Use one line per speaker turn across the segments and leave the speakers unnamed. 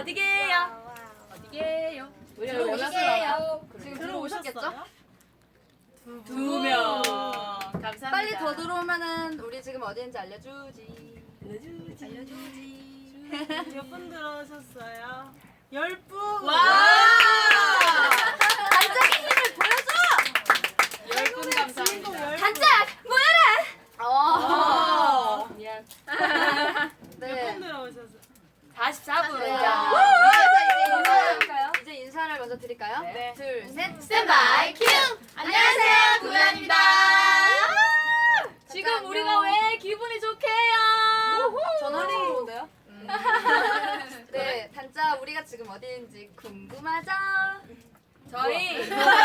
어디게요? 어디게요? 우리가 원하세요?
지금 들어오셨겠죠?
2명. 감사합니다.
빨리 더 들어오면은 우리 지금 어디인지 알려주지.
몇 분 들어오셨어요? 10분!
와!
단짝의 힘을 보여줘!
10분 감사합니다.
단짝 모여라!
미안.
네.
몇 분 들어오셨어요?
44분.
네. 이제 인사를 먼저 드릴까요?
네.
둘, 셋.
스탠바이 큐! 안녕하세요, 구현입니다. 지금
안녕.
우리가 왜 기분이 좋게요?
전화로 좋은데요? 네, 단짝 우리가 지금 어디인지 궁금하죠?
저희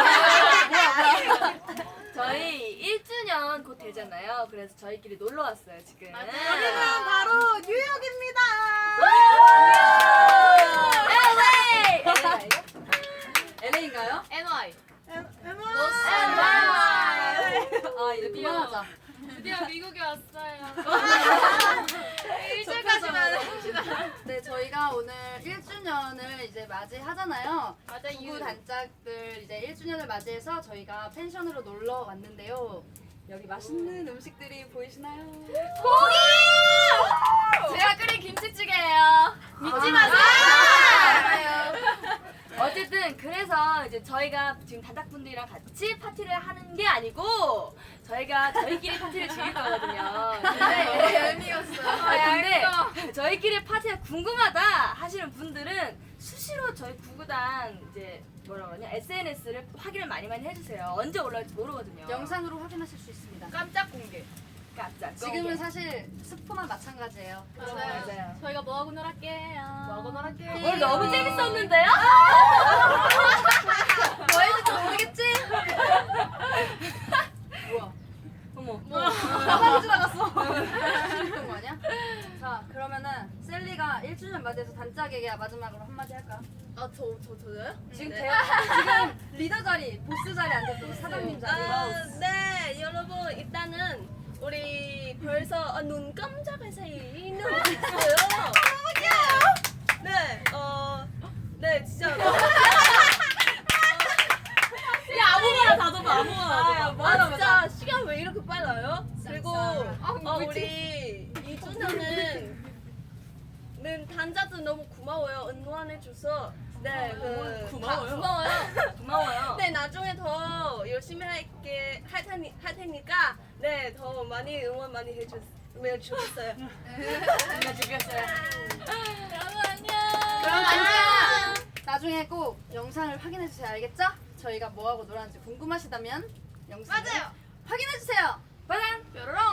1주년 곧 되잖아요. 그래서 저희끼리 놀러 왔어요, 지금.
여기는 바로 뉴욕입니다!
LA!
LA인가요?
NY.
아, 이제 그만하자.
드디어 미국에 왔어요.
네, 저희가 오늘 1주년을 이제 맞이하잖아요.
맞아요.
부부 단짝들 이제 1주년을 맞이해서 저희가 펜션으로 놀러 왔는데요. 여기 맛있는 음식들이 보이시나요?
고기! 제가 끓인 김치찌개예요. 믿지 마세요. 어쨌든 그래서 이제 저희가 지금 단짝분들이랑 같이 파티를 하는 게 아니고 저희끼리 파티를 즐길 거거든요. 근데 저희끼리 파티가 궁금하다 하시는 분들은 수시로 저희 구구단 이제 뭐라 그러냐 SNS를 확인을 많이 해주세요. 언제 올라올지 모르거든요.
영상으로 확인하실 수 있습니다.
깜짝 공개. 깜짝.
지금은 사실 스포만 마찬가지예요.
맞아요.
저희가 뭐하고 놀았게요?
뭐하고 놀았게요? 오늘 너무 재밌었는데요?
뭐 했는지 모르겠지? 뭐야?
어머.
가만히 지나갔어. 재밌던 거 아니야? 자, 그러면은 셀리가 1주년 맞이해서 단짝에게 마지막으로 한마디 할까?
저요?
지금 지금 리더 자리, 보스 자리 앉았던 사장님 자리.
네, 여러분 일단은 우리 벌써 눈 깜짝할 사이 눈 있어요. 너무 귀여워. 네, 네 진짜.
야 아무거나 다 줘봐 아무거나.
아 진짜 시간 왜 이렇게 빨라요? 그리고 우리 2주년은 단자들 너무 고마워요. 응원해줘서. 네,
고마워요.
네, 나중에 더 열심히 할 테니까 네, 더 많이 응원 많이 해주셨어요.
정말 즐겼어요.
여러분 안녕.
그럼 안녕. 나중에 꼭 영상을 확인해 주세요. 알겠죠? 저희가 뭐 하고 놀았는지 궁금하시다면 영상 확인해 주세요.
빠단.
뾰로롱.